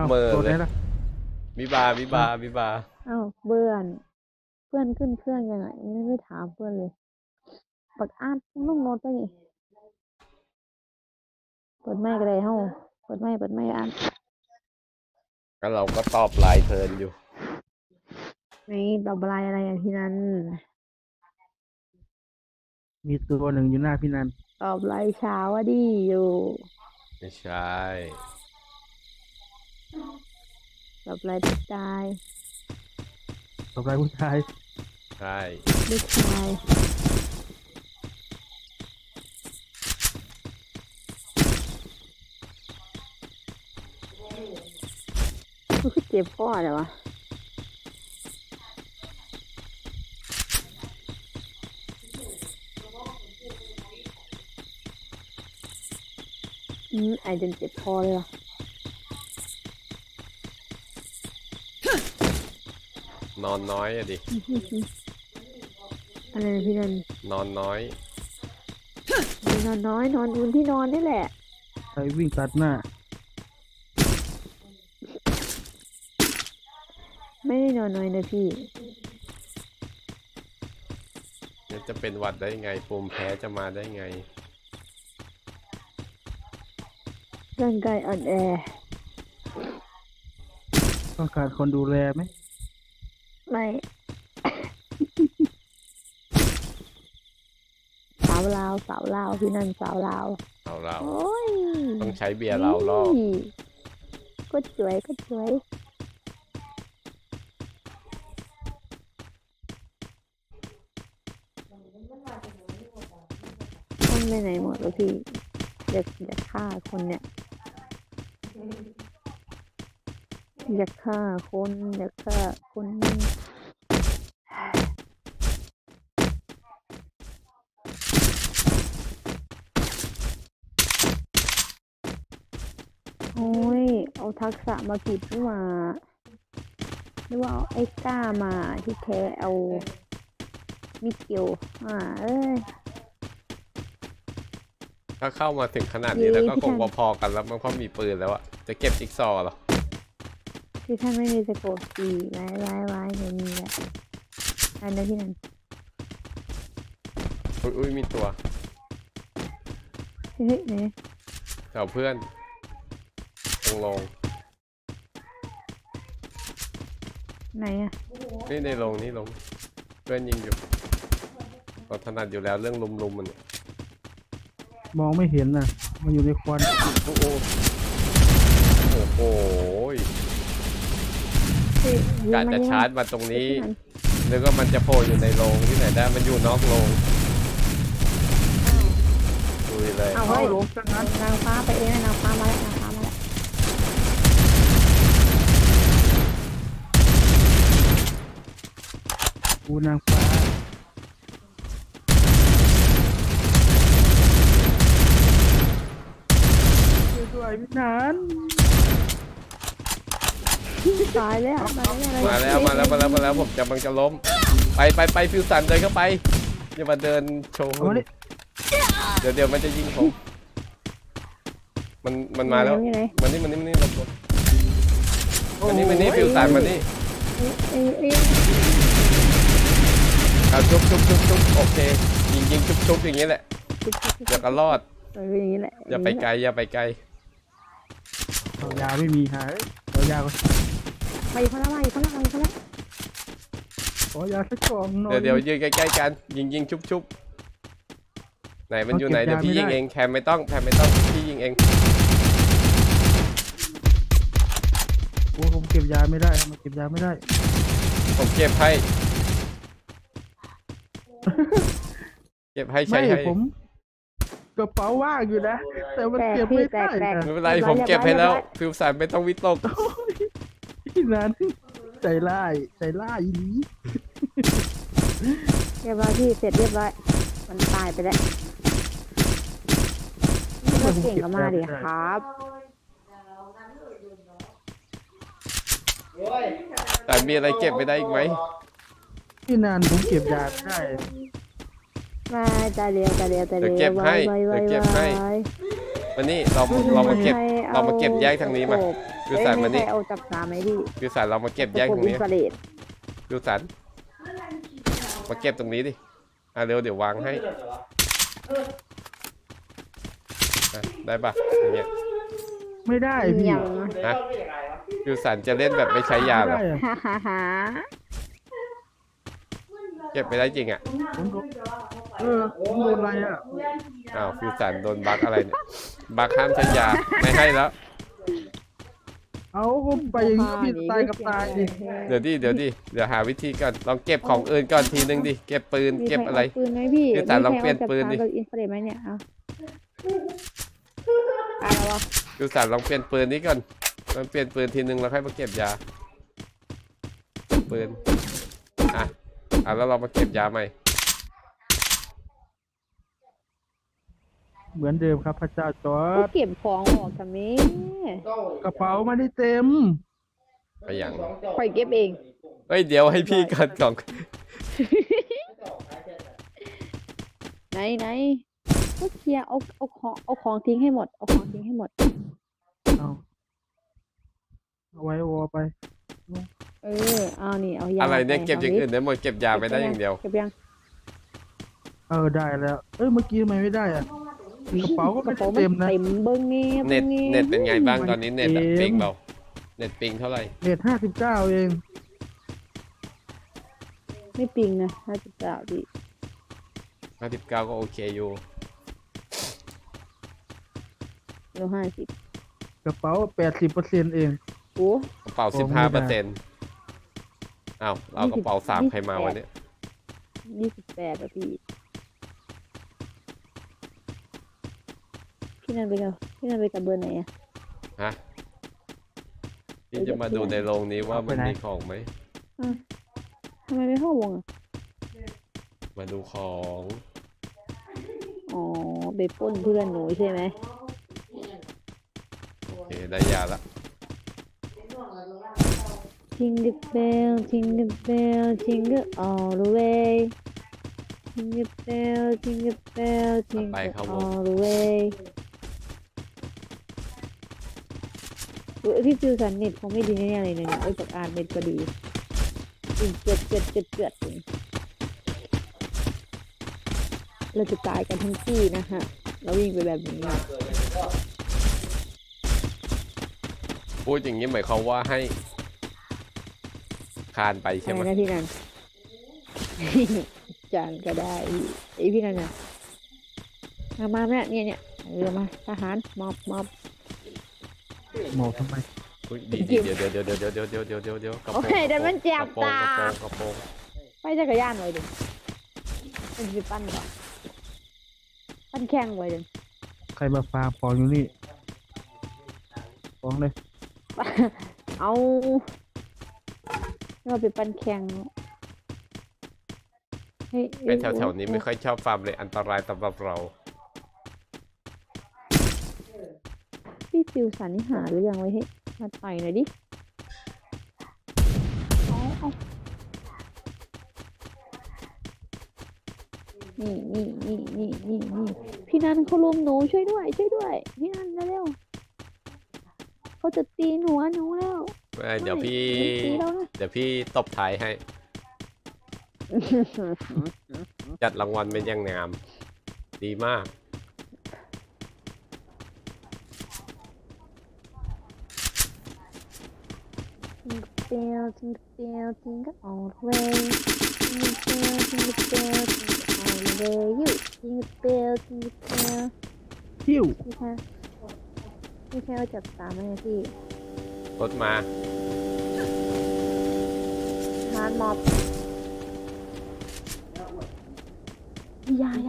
เมื่อโดนเลยได้ละวิบาวิบาวิบาอ้าวเบื่อนเพื่อนขึ้นเครื่องยังไงไม่ถามเพื่อนเลยปักอาดนุ่งโน้ตไปนี่เปิดไมค์ก็ได้เฮ้าเปิดไมค์อ่านก็เราก็ตอบไลน์เทิร์นอยู่ไม่ตอบอะไรอะไรอย่างที่นั้นมีตัวหนึ่งอยู่หน้าพี่นันตอบไลน์เช้าว่าดีอยู่ไม่ใช่ตอบไลน์ผู้ชายต่อไปผู้ชายใช่ผู้ชายเจ็บพ่อเลยวะไอจนเจ็บคอเลยวะนอนน้อยอะดิอะไรนะพี่นันนอนน้อยนอนน้อยนอนบนที่นอนนี่แหละใครวิ่งตัดหน้าไม่ได้นอนน้อยนะพี่จะเป็นหวัดได้ไงภูมิแพ้จะมาได้ไงร่างกายอ่อนแอต้องการคนดูแลไหมไม่สาวลาวพี่นันสาวลาวเราโอ้ยต้องใช้เบียร์เราล่อก็สวยต้องไปไหนหมดแล้วพี่อยากฆ่าคนเนี่ยอยากฆ่าคนโอ้ยเอาทักษะมาผิดหรือว่าเอาไอ้ก้ามาที่แท้เอามิเกลเอ้ยถ้าเข้ามาถึงขนาดนี้แล้วก็คงพอๆกันแล้วมันก็มีปืนแล้วอะจะเก็บจิ๊กซอว์หรอที่ท่านไม่มีสโคปตีไว้เดี๋ยวมีแหละอันนั้นที่นั่นอุ้ยมีตัวเฮ้ยไหนแถวเพื่อนลงไหนอะนี่ในลงนี่ลงเพื่อนยิงอยู่เราถนัดอยู่แล้วเรื่องลุมมันมองไม่เห็นนะมันอยู่ในควันโอ้โหกะจะชาร์จมาตรงนี้นึกว่ามันจะโผล่อยู่ในโรงที่ไหนได้มันอยู่นอกโรงดูเลยเอาโรงนางฟ้าไปเองนางฟ้ามาแล้วกูนางฟ้าด้วยพี่นันตายแล้วมาแล้วผมจะล้มไปฟิวสันเดินเข้าไปอย่ามาเดินโชว์เดี๋ยวมันจะยิงผมมันมาแล้วมันนี่หลบมันนี่ฟิวสันมันนี่เอาชุบโอเคยิงชุบอย่างนี้แหละเดี๋ยวก็รอดอย่างนี้แหละอย่าไปไกลเอายาไม่มีหายเอายาก็ไปคนละขอยาสักกล่องหน่อยเดี๋ยวยืนใกล้ๆกันยิงชุบไหนมันอยู่ไหนเดี๋ยวพี่ยิงเองแคมไม่ต้องพี่ยิงเองโอ้ผมเก็บยาไม่ได้มันเก็บยาไม่ได้ผมเก็บให้ใช่ให้ผมกระเป๋าว่างอยู่นะแต่มันเก็บไม่ได้ไม่เป็นไรผมเก็บให้แล้วฟิวสันไม่ต้องวิตกที่นั้นใจร้ายอีนี้เรียบร้อยพี่เสร็จเรียบร้อยมันตายไปแล้วเก่งก็มาดิครับแต่มีอะไรเก็บไม่ได้อีกไหมที่นานผมเก็บยาไม่ได้มาตาเดียวเก็บให้วันนี้เรามาเก็บแยกทางนี้มาฟิวสันมาใครนี่เอาจับสามไหมพี่ฟิวสันเรามาเก็บแยกตรงนี้อินฟราเรดฟิวสันมาเก็บตรงนี้ดิเร็วเดี๋ยววางให้ได้ปะอย่างเงี้ยไม่ได้พี่ยังฮะฟิวสันจะเล่นแบบไม่ใช้ยาเหรอไม่ได้อะฮ่าฮ่าฮ่าเก็บไม่ได้จริงอ่ะผมโดนผมโดนอะไรอ่ะอ้าวฟิวสันโดนบั๊กอะไรเนี่ยบั๊กห้ามใช้ยาไม่ให้แล้วเอาผมไปอย่างนี้พี่ตายกับตายดิเดี๋ยวเดี๋ยวหาวิธีก่อนลองเก็บของอื่นก่อนทีนึงดิเก็บปืนมีเก็บใคอะไราปืนไหมพี่ฟิวสันลองเปลี่ยนปืนดิมีใครเอาจับสามกับอินฟราเรดไหมเนี่ยเอาอะไรวะฟิวสันลองเปลี่ยนปืนนี้ก่อนลองเปลี่ยนปืนทีนึงแล้วค่อยมาเก็บยาปืนแล้วเรามาเก็บยาใหม่เหมือนเดิมครับพระเจ้าจอก็ดเก็บของออกทำนี้กระเป๋าไม่ได้เต็มไปอย่างคอยเก็บเองเฮ้ยเดี๋ยวให้พี่ก่อนกล่องไหนก็เคลียร์เอาของทิ้งให้หมดเอาของทิ้งให้หมดเอาไว้วอไปเอานี่เอายาอะไรเนี่ยปเก็บอย่างอื่นได้หมดเก็บยาไม่ได้ปอย่างเดียวเก็บยังได้แล้วเมื่อกี้ทำไมไม่ได้อ่ะกระเป๋าก็กไม่ระเป๋าได้มันเต็มนะเต็มเบิ้งนี่เน็ตบิ่งเน็ตเป็นไงบ้างตอนนี้เน็ตอะมันเกมปิงเปล่าเน็ตปิงเท่าไหร่เน็ต59เองไม่ปิงนะ59ดิ 59ก็โอเคอยู่แล้ว50 กระเป๋า80%เองโอ้กระเป๋าโอ้ไม่ได้ 15%อ้าวเรากระเป๋า3ใครมาวันนี้ 28อะพี่พี่นันไปกับเบอร์ไหนอะฮะพี่จะมาดูในโรงนี้ว่ามันมีของไหมทำไมไม่เข้าวงอะมาดูของอ๋อไปปล้นเพื่อนหนูใช่ไหมโอเคได้ยาละ Jingle bell jingle bell jingle all the way jingle bell jingle bell jingle all the way พี่ฟิวสันเน็ตคงไม่ดีแน่ๆเลยเนี่ยจากอ่านเน็ตก็ดีเกิดเลยเราจะตายกันทั้งที่นะฮะเราวิ่งไปแบบนี้พูดอย่างนี้หมายความว่าให้คานไปใช่ไหมอะไรนะพี่นัน จานก็ได้พี่นันน่ะมาเนี่ยมาทหารมอบหมอทำไมอุ๊ยเดี๋ยวกระโปรงโอเคเดี๋ยวมันเจ็บตากระโปรงไปจักรยานไว้ดิมันจะปั้นก่อนปั้นแข่งไว้ดิใครมาฟาร์มของอยู่นี่ฟ้องเลยเอาเราไปปั้นแข่งเฮ้ยไปแถวๆนี้ไม่ค่อยชอบฟาร์มเลยอันตรายสำหรับเราพี่ฟิวสันนี่หาหรือยังไว้ให้มาต่อยหน่อยดิเอานี่พี่นันเขาลุมหนูช่วยด้วยพี่นันเร็วๆเขาจะตีหัวหนูแล้วเดี๋ยวพี่ตีแล้วนะเดี๋ยวพี่ตบท้ายให้ จัดรางวัลเป็นอย่างงาม ดีมาก Jingle all the way Jingle all the way you Jingle หิ้วพี่แค่ว่าจับตามไหมพี่รถมาฮาร์ดมอบยา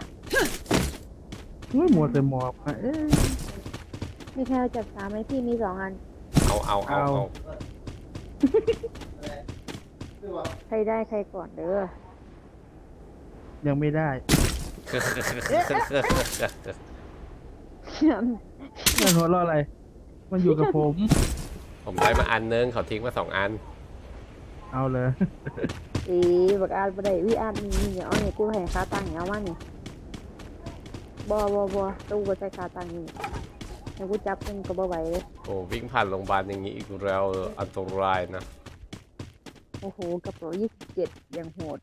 ไม่หมดแต่หมอบอะพี่แค่ว่าจับตามไหมพี่มี2 อันเอาใครได้ใครก่อนเด้อยังไม่ได้นั่นหัวเราะอะไร มันอยู่กับผมผมได้มาอันนึงเขาทิ้งมา2 อันเอาเลยบักอาดบ่ได้พี่อาดมีอย่าเอาเนี่ยกูให้ค่าตังค์เอามานี่บ่ตู้ก็ใช้ค่าตังค์นี่แล้วกูจับมึงก็บ่ไหวเลยโอ้วิ่งผ่านโรงพยาบาลอย่างนี้อีกแล้วอันตรายนะโอ้โหกระเป๋า27อย่างโหด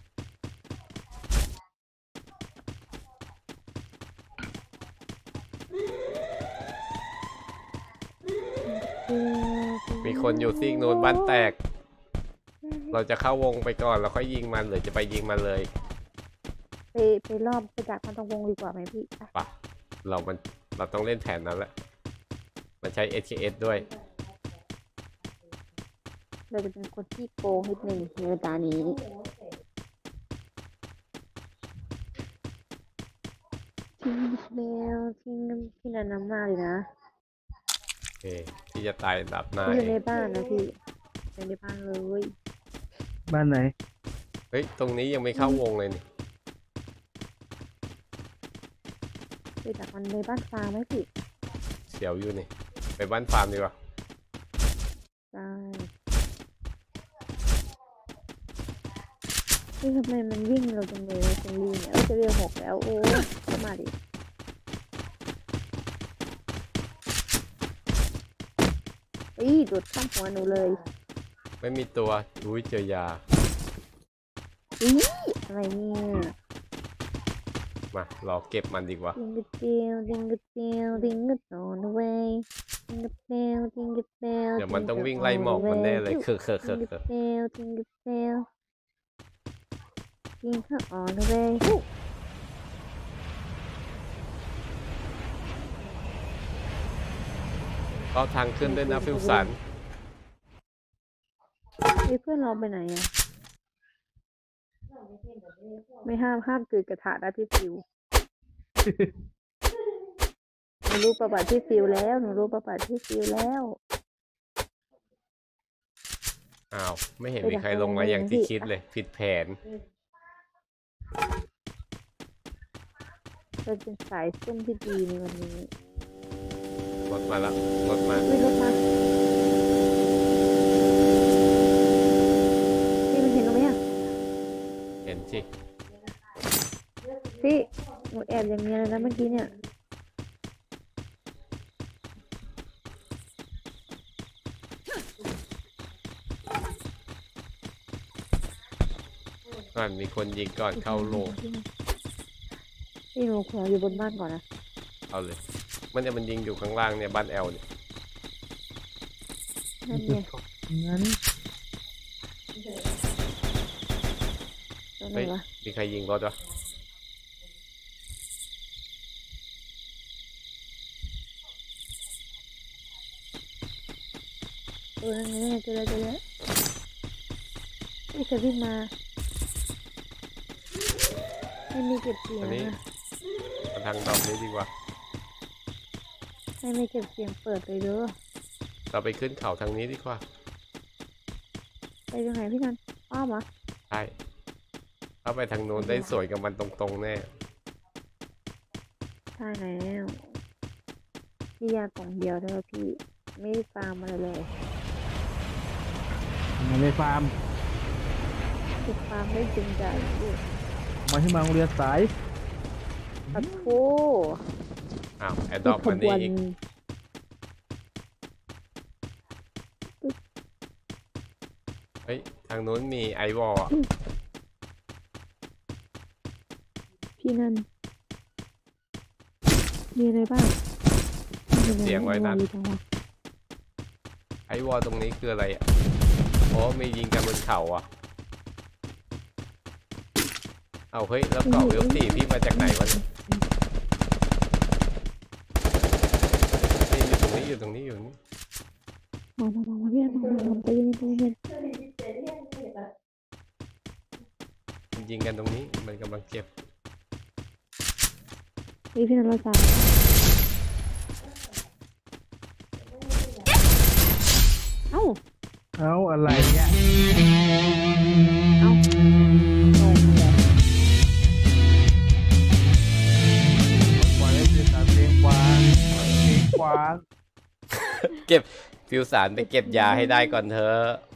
มีคนอยู่ซีกนู้นบ้านแตก เราจะเข้าวงไปก่อนแล้วค่อยยิงมันหรือจะไปยิงมันเลยไปรอบไปดักมันตรงวงดีกว่าไหมพี่ไปปะเราต้องเล่นแผนนั้นแหละมันใช้ SKS ด้วยเราจะเป็นคนที่โกงนิดนึงในเวลานี้ทิ้งแมวทิ้งพี่นันน้ำมากเลยนะโอเคที่จะตายอันดับหน้าพี่อยู่เอในงบ้านนะพี่อยู่ในบ้านเลยบ้านไหนเฮ้ยตรงนี้ยังไม่เข้าวงเลยนี่ไปดักมันในบ้านฟาร์มไหมพี่เสียวอยู่นี่ไปบ้านฟาร์มดีกว่าได้นี่ทำไมมันวิ่งเราจังเลยนะเซนลี่เนี่ยจะเรียก6แล้วโอ้เข้ามาดิโดดข้ามหัวหนูเลยไม่มีตัวอุ้ยเจอยาอะไรเนี่ยมารอเก็บมันดีกว่า Jingle bell, jingle bell, jingle all the way. Jingle bell, jingle bell. เดี๋ยวมันต้องวิ่งไล่หมอกมันแน่เลยคือ Jingle bell, jingle bell. Jingle all the way. ก็ทางขึ้นด้วยนะฟิวสันเพื่อนเราไปไหนอ่ะ ไม่ห้ามเกิดกระถานะพี่ฟิว หนูรู้ประวัติพี่ฟิวแล้วหนูรู้ประวัติพี่ฟิวแล้วอ้าวไม่เห็นมีใครลงมาอย่างที่คิดเลยผิดแผนเราเป็นสายซุ่มที่ดีในวันนี้รถมาแล้วรถมาวิ่งรถมาพี่มันเห็นเราไหมอ่ะเห็นสิพี่หนูแอบอย่างเงี้ยเลยนะเมื่อกี้เนี่ยก่อนมีคนยิงก่อนเข้าโลงพี่หนูขออยู่บนบ้านก่อนนะเอาเลยมันยิงอยู่ข้างล่างเนี่ยบ้านแอลเนี่ยนั่นไงงั้นตรงไหนเฮ้ยวะมีใครยิงรถวะนั่นไงเจอแล้วพี่จะวิ่งมาไม่มีเก็บเสียงอันนี้นะมาทางดอกนี้ดีกว่าไม่เก็บเสียงเปิดเลยเด้อเราไปขึ้นเขาทางนี้ดีกว่าไปตรงไหนพี่นันอ้อมเหรอใช่ถ้าไปทางโน้นได้สวยกับมันตรงๆแน่ใช่แล้วพี่ยากล่องเดียวเลยพี่ไม่ได้ฟาร์มอะไรเลยมาในฟาร์มติดฟาร์มได้จริงใจพี่มาที่มาโรงเรียนสายปัดโถอ้าวแอดดอปมันนี่อีกเฮ้ยทางโน้นมีไอวอลพี่นันมีอะไรบ้างเสียงไว้นั่นมีจังวะไอวอลตรงนี้คืออะไรอ่ะโอ้มียิงกันบนเขาอ่ะเอาเฮ้ยแล้วเกาะเวลสี่พี่มาจากไหนวะเนี่ยนี่อยู่ตรงนี้อยู่ตรงนี้มาพี่นันมาใจเย็นใจเย็นยิงกันตรงนี้มันกำลังเจ็บนี่พี่นันเราสั่งเอ้าเอาอะไรเนี่ยเอ้างงเลยปล่อยให้เป็นสามเพลงกวางเพลงกวางเก็บฟิวสารไปเก็บยาให้ได้ก่อนเถอะ